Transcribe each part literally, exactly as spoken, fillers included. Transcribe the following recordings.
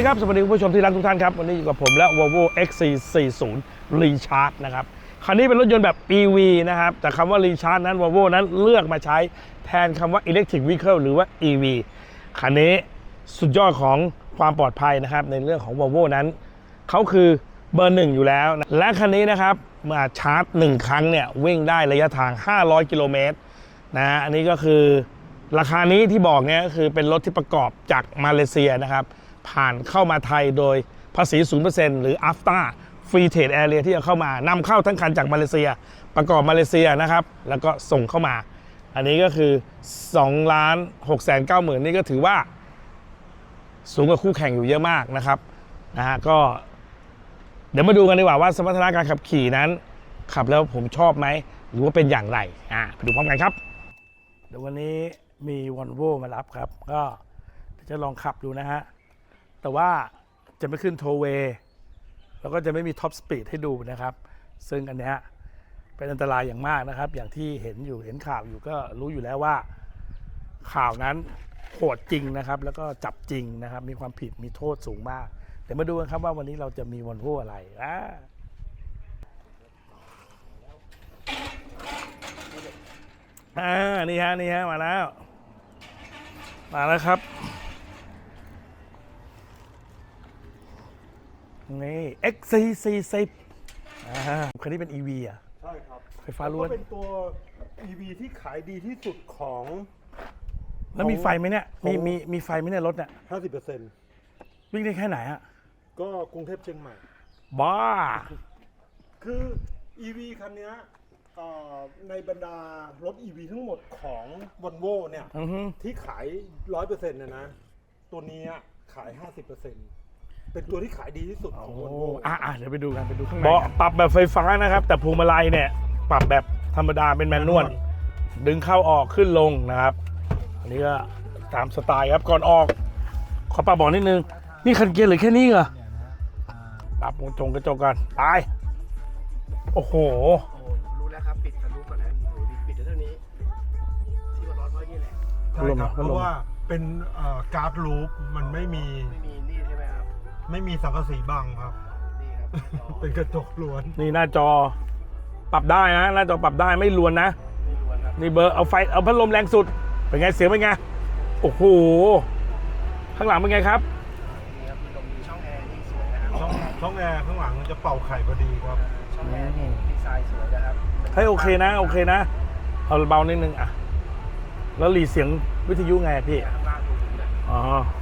ดีครับสวัสดีคุณผู้ชมที่รักทุกท่านครับวันนี้อยู่กับผมและ Volvo เอ็กซ์ ซี สี่สิบ Recharge นะครับคันนี้เป็นรถยนต์แบบ อี วี นะครับแต่คำว่า Recharge นั้น Volvo นั้นเลือกมาใช้แทนคำว่า Electric Vehicle หรือว่า อี วี คันนี้สุดยอดของความปลอดภัยนะครับในเรื่องของ Volvo นั้นเขาคือเบอร์หนึ่งอยู่แล้วนะและคันนี้นะครับมาชาร์จหนึ่งครั้งเนี่ยวิ่งได้ระยะทางห้าร้อยกิโลเมตรนะอันนี้ก็คือราคานี้ที่บอกเนี่ยก็คือเป็นรถที่ประกอบจากมาเลเซียนะครับผ่านเข้ามาไทยโดยภาษี ศูนย์เปอร์เซ็นต์ หรือ อัฟต้า Free Trade Area ที่จะเข้ามานำเข้าทั้งคันจากมาเลเซียประกอบมาเลเซียนะครับแล้วก็ส่งเข้ามาอันนี้ก็คือ สองล้านหกแสนเก้าหมื่น นี่ก็ถือว่าสูงกว่าคู่แข่งอยู่เยอะมากนะครับนะฮะก็เดี๋ยวมาดูกันดีกว่าว่าสมรรถนะการขับขี่นั้นขับแล้วผมชอบไหมหรือว่าเป็นอย่างไรอ่าไปดูพร้อมกันครับเดี๋ยววันนี้มี Volvo มารับครับก็จะลองขับดูนะฮะแต่ว่าจะไม่ขึ้นโทเวย์แล้วก็จะไม่มีท็อปสปีดให้ดูนะครับซึ่งอันเนี้ยเป็นอันตรายอย่างมากนะครับอย่างที่เห็นอยู่เห็นข่าวอยู่ก็รู้อยู่แล้วว่าข่าวนั้นโหดจริงนะครับแล้วก็จับจริงนะครับมีความผิดมีโทษสูงมากเดี๋ยวมาดูกันครับว่าวันนี้เราจะมีVolvoอะไรอ่าอ่านี่ฮะนี่ฮะมาแล้วมาแล้วครับนี่ เอ็กซ์ ซี สี่สิบ อ่าคันนี้เป็น อี วี อ่ะใช่ครับไฟฟ้าล้วนก็เป็นตัว อี วี ที่ขายดีที่สุดของแล้วมีไฟไหมเนี่ยมีมีมีไฟไหมเนี่ยรถเนี่ยห้าสิบเปอร์เซ็นต์วิ่งได้แค่ไหนฮะก็กรุงเทพเชียงใหม่บ้าคือ อี วี คันนี้ในบรรดารถ อี วี ทั้งหมดของ Volvo เนี่ยที่ขาย ร้อยเปอร์เซ็นต์ นะนะตัวนี้ขาย ห้าสิบเปอร์เซ็นต์ เป็นตัวที่ขายดีที่สุดของ Volvo อ่ะเดี๋ยวไปดูกันไปดูข้างในเบาะปรับแบบไฟฟ้านะครับแต่พวงมาลัยเนี่ยปรับแบบธรรมดาเป็นแมนนวลดึงเข้าออกขึ้นลงนะครับอันนี้ก็ตามสไตล์ครับก่อนออกขอปรับเบาะนิดนึงนี่คันเกียร์เหรือแค่นี้เหรอปรับวงจงกระจกกันไปโอ้โหรู้แล้วครับปิดทะลุก่อนนะปิดเท่านี้ที่มันร้อนเพราะนี่แหละใช่ครับเพราะว่าเป็นการ์ดลูปมันไม่มีไม่มีนี่ใช่ไหมครับไม่มีสังกะสีบังครับนี่ครับเป็นกระจกล้วนนี่หน้าจอปรับได้นะหน้าจอปรับได้ไม่ล้วนนะนี่เบอร์เอาไฟเอาพัดลมแรงสุดเป็นไงเสียงเป็นไงโอ้โหข้างหลังเป็นไงครับนี่ครับลมมีช่องแอร์ที่สวยนะครับช่องช่องแอร์ข้างหลังมันจะเป่าไข่พอดีครับช่องแอร์นี่ดีไซน์สวยนะครับเฮ้ยโอเคนะโอเคนะเอาเบานิดนึงอ่ะแล้วหลีเสียงวิทยุไงพี่ข้างล่างดูถึงเลยอ๋อ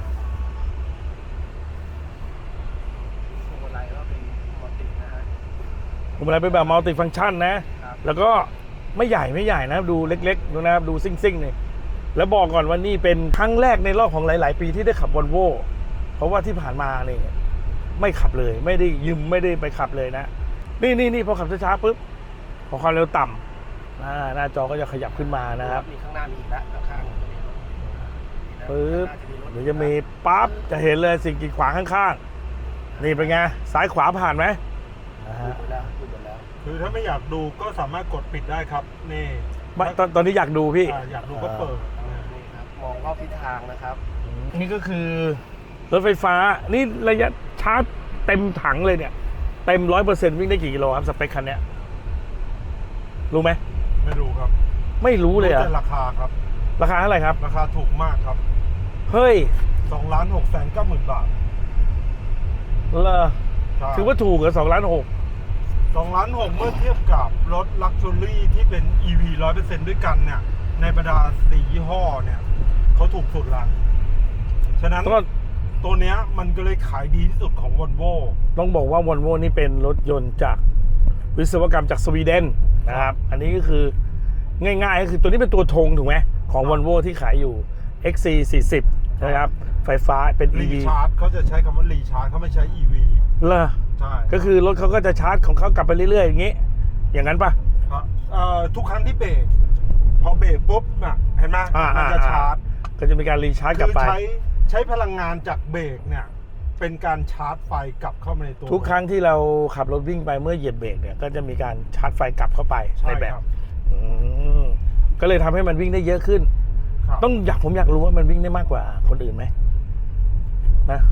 พวงมาลัยก็เป็นมัลตินะฮะพวงมาลัยเป็นแบบมัลติฟังก์ชันนะแล้วก็ไม่ใหญ่ไม่ใหญ่นะดูเล็กๆดูนะครับดูซิ่งๆนี่แล้วบอกก่อนว่านี่เป็นครั้งแรกในรอบของหลายๆปีที่ได้ขับ Volvo เพราะว่าที่ผ่านมานี่ไม่ขับเลยไม่ได้ยืมไม่ได้ไปขับเลยนะนี่นี่นี่พอขับช้าๆปุ๊บพอความเร็วต่ำหน้าจอก็จะขยับขึ้นมานะครับมีข้างหน้ามีอีกแล้วข้างปึ๊บเดี๋ยวจะมีปั๊บจะเห็นเลยสิ่งกีดขวางข้างๆนี่เป็นไงซ้ายขวาผ่านไหมนะฮะแล้วแล้วคือถ้าไม่อยากดูก็สามารถกดปิดได้ครับนี่ตอนตอนนี้อยากดูพี่อยากดูก็เปิดนี่ครับมองรอบทิศทางนะครับนี่ก็คือรถไฟฟ้านี่ระยะชาร์จเต็มถังเลยเนี่ยเต็มร้อยเปอร์เซ็นต์วิ่งได้กี่กิโลครับสเปคคันนี้รู้ไหมไม่รู้ครับไม่รู้เลยอะราคาครับราคาเท่าไหร่ครับราคาถูกมากครับเฮ้ยสองล้านหกแสนเก้าหมื่นบาทเลอถือว่าถูกเหรอสองล้านหกสองล้านหกเมื่อเทียบกับรถลักชัวรี่ที่เป็น อี วี ร้อยเปอร์เซ็นต์ด้วยกันเนี่ยในบรรดาสี่ยี่ห้อเนี่ยเขาถูกสุดละฉะนั้นตัวเนี้ยมันก็เลยขายดีที่สุดของ Volvo ต้องบอกว่า Volvo นี่เป็นรถยนต์จากวิศวกรรมจากสวีเดนนะครับอันนี้ก็คือง่ายๆก็คือตัวนี้เป็นตัวธงถูกไหมของ Volvo ที่ขายอยู่ เอ็กซ์ ซี สี่สิบ นะครับไฟฟ้าเป็น อี วีรีชาร์จเขาจะใช้คำว่ารีชาร์จเขาไม่ใช้ อี วีเหรอใช่ก็คือรถเขาก็จะชาร์จของเขากลับไปเรื่อยๆอย่างนี้อย่างนั้นปะทุกครั้งที่เบรกพอเบรกปุ๊บน่ะเห็นไหมมันจะชาร์จก็จะมีการรีชาร์จกลับไปใช้ใช้พลังงานจากเบรกเนี่ยเป็นการชาร์จไฟกลับเข้ามาในตัวทุกครั้งที่เราขับรถวิ่งไปเมื่อเหยียบเบรกเนี่ยก็จะมีการชาร์จไฟกลับเข้าไปในแบบก็เลยทำให้มันวิ่งได้เยอะขึ้นต้องอยากผมอยากรู้ว่ามันวิ่งได้มากกว่าคนอื่นไหมนะ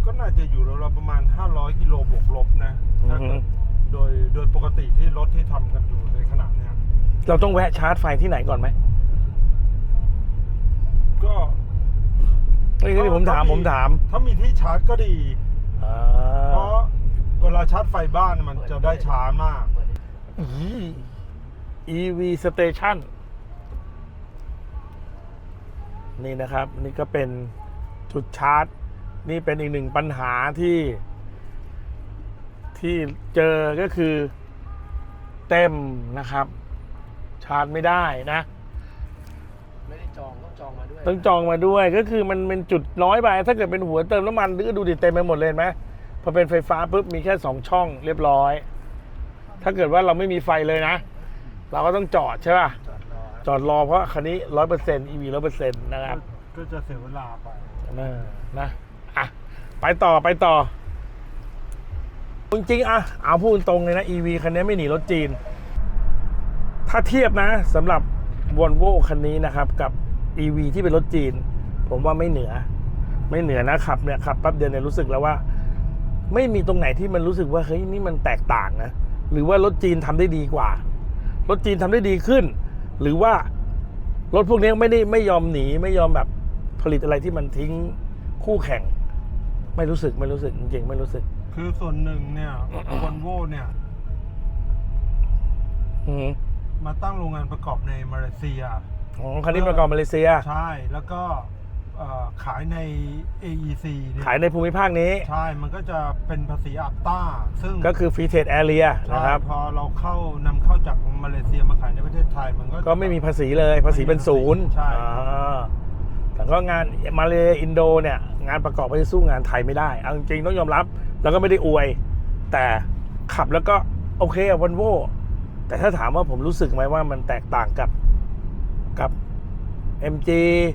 ก็น่าจะอยู่ราวๆประมาณห้าร้อยกิโลบวกลบนะถ้าเกิดโดยโดยปกติที่รถที่ทำกันอยู่ในขณะเนี้ยเราต้องแวะชาร์จไฟที่ไหนก่อนไหมก็นี่ที่ผมถามผมถามถ้ามีที่ชาร์จก็ดีอ่าเพราะเวลาชาร์จไฟบ้านมันจะได้ช้ามากอี อี วี Station นี่นะครับ นี่ก็เป็นจุดชาร์จ นี่เป็นอีกหนึ่งปัญหาที่ ที่เจอก็คือเต็มนะครับ ชาร์จไม่ได้นะไม่ได้จองต้องจองมาด้วยต้องจองมาด้วยก็คือมันเป็นจุดน้อยไป ถ้าเกิดเป็นหัวเติมน้ำมันก็ดูดิเต็มไปหมดเลยเห็นไหมพอเป็นไฟฟ้าปุ๊บมีแค่สองช่องเรียบร้อย ถ้าเกิดว่าเราไม่มีไฟเลยนะ เราก็ต้องจอดใช่ป่ะจอดรอจอดรอเพราะคันนี้ร้อยเปอร์เซ็นต์ อี วี ร้อยเปอร์เซ็นต์นะครับก็จะเสียเวลาไปนะนะอ่ะไปต่อไปต่อ จริงๆอ่ะเอาพูดตรงเลยนะ อี วี คันนี้ไม่หนีรถจีน ถ้าเทียบนะสำหรับ Volvo คันนี้นะครับกับ อี วี ที่เป็นรถจีน ผมว่าไม่เหนือ ไม่เหนือนะขับเนี่ยขับแป๊บเดียวเนี่ยรู้สึกแล้วว่า ไม่มีตรงไหนที่มันรู้สึกว่าเฮ้ยนี่มันแตกต่างนะหรือว่ารถจีนทำได้ดีกว่า รถจีนทำได้ดีขึ้น หรือว่ารถพวกนี้ไม่ได้ไม่ยอมหนีไม่ยอมแบบผลิตอะไรที่มันทิ้งคู่แข่ง ไม่รู้สึกไม่รู้สึกจริงๆไม่รู้สึกคือส่วนหนึ่งเนี่ยวอลโว่เนี่ยอืมมาตั้งโรงงานประกอบในมาเลเซียอ๋อคันนี้ประกอบมาเลเซียใช่แล้วก็เอ่อขายใน เอ อี ซี เนี่ยขายในภูมิภาคนี้ใช่มันก็จะเป็นภาษีอัปต้า ซึ่งก็คือฟรีเทรดแอเรียใช่นะครับพอเราเข้านำเข้าจากมาเลเซียมาขายในประเทศไทยมันก็ก็ไม่มีภาษีเลยภาษีเป็นศูนย์ใช่อ่าแต่ก็งานมาเลอินโดเนี่ยงานประกอบไปสู้งานไทยไม่ได้เอาจริงๆต้องยอมรับ แล้วก็ไม่ได้อวย แต่ขับแล้วก็โอเคอะวอลโว่แต่ถ้าถามว่าผมรู้สึกไหมว่ามันแตกต่างกับกับ เอ็ม จี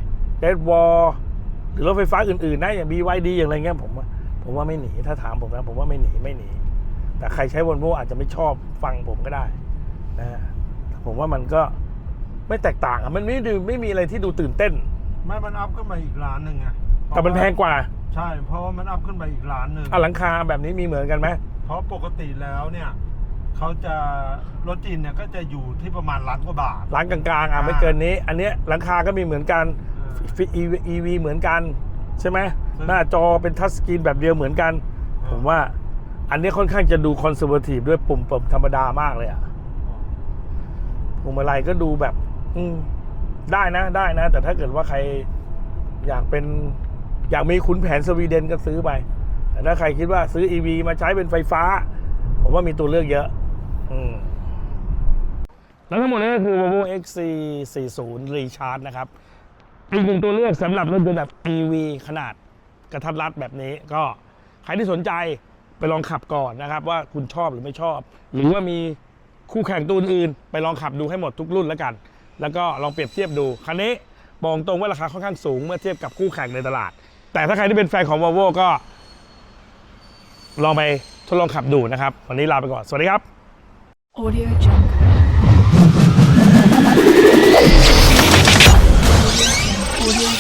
Red Wall หรือรถไฟฟ้าอื่นๆนะอย่าง บี วาย ดี อย่างไรเงี้ยผมว่าผมว่าไม่หนีถ้าถามผมนะผมว่าไม่หนีไม่หนี แต่ใครใช้วอลโว่อาจจะไม่ชอบฟังผมก็ได้นะผมว่ามันก็ไม่แตกต่างอะมันไม่ดูไม่มีอะไรที่ดูตื่นเต้นไม่มันอัพขึ้นมาอีกล้านหนึ่งไงแต่มันแพงกว่าใช่ เพราะว่ามันอัพขึ้นไปอีกล้านหนึ่งอ่ะหลังคาแบบนี้มีเหมือนกันไหมเพราะปกติแล้วเนี่ยเขาจะรถจีนเนี่ยก็จะอยู่ที่ประมาณล้านกว่าบาทร้านกลางๆอ่ะไม่เกินนี้ อันเนี้ยหลังคาก็มีเหมือนกัน อี วี เหมือนกันใช่ไหมหน้าจอเป็นทัชสกรีนแบบเดียวเหมือนกัน ผมว่าอันนี้ค่อนข้างจะดูคอนเซอร์เวทีฟด้วยปุ่มปุ่มธรรมดามากเลยอ่ะพวงมาลัยก็ดูแบบ อืมได้นะได้นะ แต่ถ้าเกิดว่าใครอยากเป็นอยากมีขุนแผนสวีเดนก็ซื้อไป แต่ถ้าใครคิดว่าซื้อ อี วี มาใช้เป็นไฟฟ้า ผมว่ามีตัวเลือกเยอะ อืมแล้วทั้งหมดนี้ก็คือ Volvo เอ็กซ์ ซี สี่สิบ Recharge นะครับ อีกหนึ่งตัวเลือกสำหรับรถยนต์แบบ อี วี ขนาดกระทัดรัดแบบนี้ก็ใครที่สนใจไปลองขับก่อนนะครับ ว่าคุณชอบหรือไม่ชอบ หรือว่ามีคู่แข่งตัวอื่นๆไปลองขับดูให้หมดทุกรุ่นแล้วกัน แล้วก็ลองเปรียบเทียบดู คันนี้บอกตรงว่าราคาค่อนข้างสูงเมื่อเทียบกับคู่แข่งในตลาด แต่ถ้าใครที่เป็นแฟนของ Volvo ก็ลองไปทดลองขับดูนะครับ วันนี้ลาไปก่อน สวัสดีครับ Audio Jungle. Audio Jungle. Audio